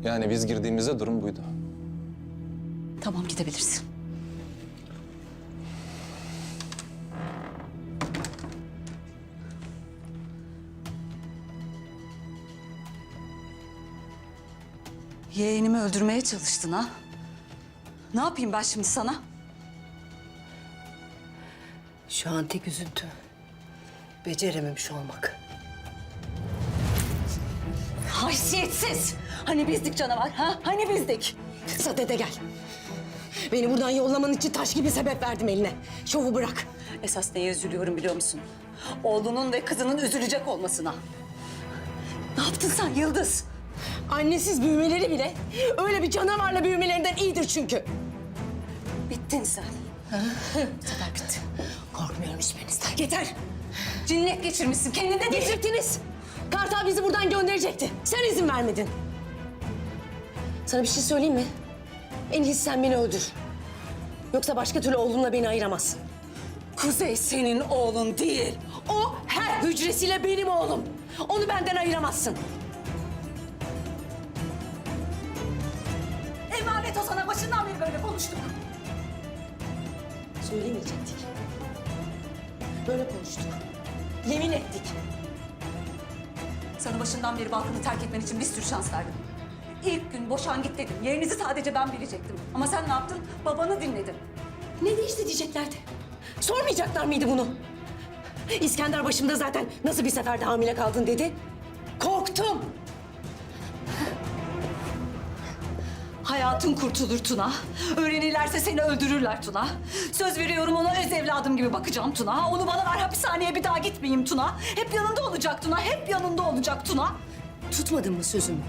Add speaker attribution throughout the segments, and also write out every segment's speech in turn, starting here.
Speaker 1: Yani biz girdiğimizde durum buydu.
Speaker 2: Tamam, gidebilirsin. Yeğenimi öldürmeye çalıştın ha? Ne yapayım ben şimdi sana?
Speaker 3: Şu an tek üzüntü becerememiş olmak.
Speaker 2: Haysiyetsiz! Hani bizdik canavar, ha? Hani bizdik?
Speaker 3: Sadede gel. Beni buradan yollaman için taş gibi sebep verdim eline. Şovu bırak.
Speaker 2: Esas neye üzülüyorum biliyor musun? Oğlunun ve kızının üzülecek olmasına. Ne yaptın sen Yıldız?
Speaker 3: Annesiz büyümeleri bile öyle bir canavarla büyümelerinden iyidir çünkü.
Speaker 2: Bittin sen. Bu sefer bitti.
Speaker 3: Korkmuyorum hiçbirinizden. Yeter.
Speaker 2: Cinnet geçirmişsin, kendinde değil.
Speaker 3: Geçirttiniz. Kartal bizi buradan gönderecekti. Sen izin vermedin. Sana bir şey söyleyeyim mi? En iyisi sen beni öldür. Yoksa başka türlü oğlumla beni ayıramazsın.
Speaker 2: Kuzey senin oğlun değil.
Speaker 3: O her hücresiyle benim oğlum. Onu benden ayıramazsın.
Speaker 2: Emanet o sana, başından beri böyle konuştuk.
Speaker 3: Söylemeyecektik. Böyle konuştuk. Yemin ettik.
Speaker 2: Sana başından beri Balkan'ı terk etmen için bir sürü şans verdim. İlk gün boşan git dedim. Yerinizi sadece ben bilecektim. Ama sen ne yaptın? Babanı dinledin.
Speaker 3: Ne değişti diyeceklerdi. Sormayacaklar mıydı bunu? İskender başımda zaten nasıl bir seferde hamile kaldın dedi. Korktum.
Speaker 2: Hayatın kurtulur Tuna. Öğrenirlerse seni öldürürler Tuna. Söz veriyorum, ona öz evladım gibi bakacağım Tuna. Onu bana ver, hapishaneye bir daha gitmeyeyim Tuna. Hep yanında olacak Tuna, hep yanında olacak Tuna.
Speaker 3: Tutmadın mı sözümü?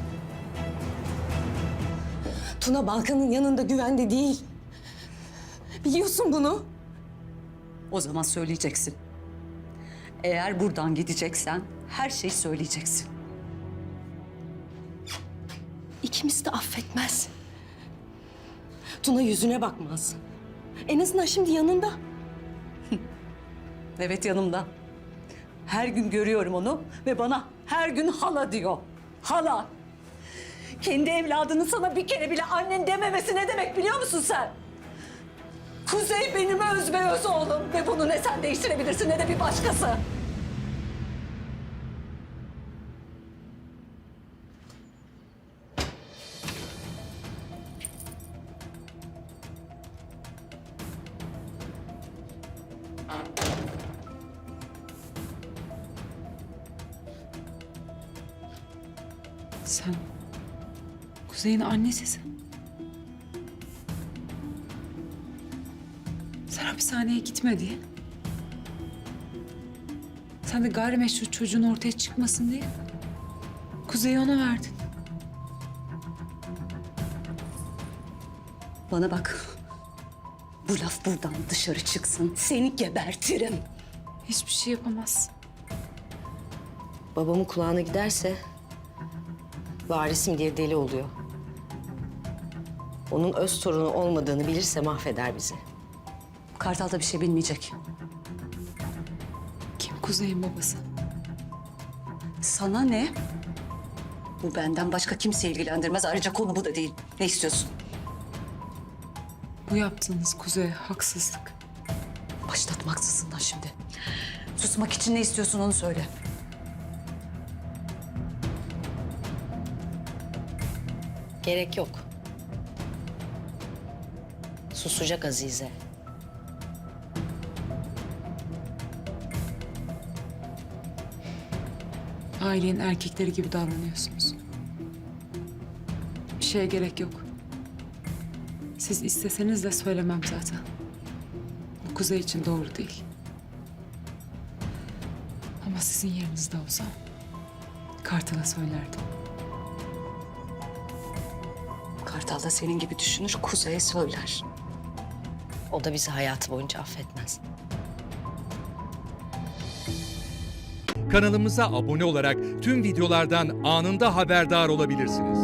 Speaker 3: Tuna Balkan'ın yanında güvende değil. Biliyorsun bunu.
Speaker 2: O zaman söyleyeceksin. Eğer buradan gideceksen her şeyi söyleyeceksin.
Speaker 3: İkimiz de affetmez. Tuna yüzüne bakmaz. En azından şimdi yanında.
Speaker 2: Evet, yanımda. Her gün görüyorum onu ve bana her gün hala diyor. Hala. Kendi evladının sana bir kere bile annen dememesi ne demek biliyor musun sen? Kuzey benim özbeöz oğlum ve bunu ne sen değiştirebilirsin ne de bir başkası.
Speaker 4: Sen Kuzey'in annesisin. Sen hapishaneye gitme diye. Sen de gayrimeşru çocuğun ortaya çıkmasın diye Kuzey'i ona verdin.
Speaker 2: Bana bak. Bu laf buradan dışarı çıksın. Seni gebertirim.
Speaker 4: Hiçbir şey yapamazsın.
Speaker 3: Babamın kulağına giderse varisim diye deli oluyor. Onun öz torunu olmadığını bilirse mahveder bizi.
Speaker 2: Kartal da bir şey bilmeyecek.
Speaker 4: Kim Kuzey'in babası?
Speaker 2: Sana ne? Bu benden başka kimse ilgilendirmez. Ayrıca konu bu da değil. Ne istiyorsun?
Speaker 4: Bu yaptığınız Kuzey'e haksızlık.
Speaker 2: Başlatma haksızlığından şimdi. Susmak için ne istiyorsun onu söyle.
Speaker 3: Gerek yok. Susacak Azize.
Speaker 4: Ailenin erkekleri gibi davranıyorsunuz. Bir şeye gerek yok. Siz isteseniz de söylemem zaten. Bu Kuzey için doğru değil. Ama sizin yerinizde olsam Kartal'a söylerdim.
Speaker 2: Kartal da senin gibi düşünür, Kuzey'e söyler.
Speaker 3: O da bizi hayatı boyunca affetmez.
Speaker 5: Kanalımıza abone olarak tüm videolardan anında haberdar olabilirsiniz.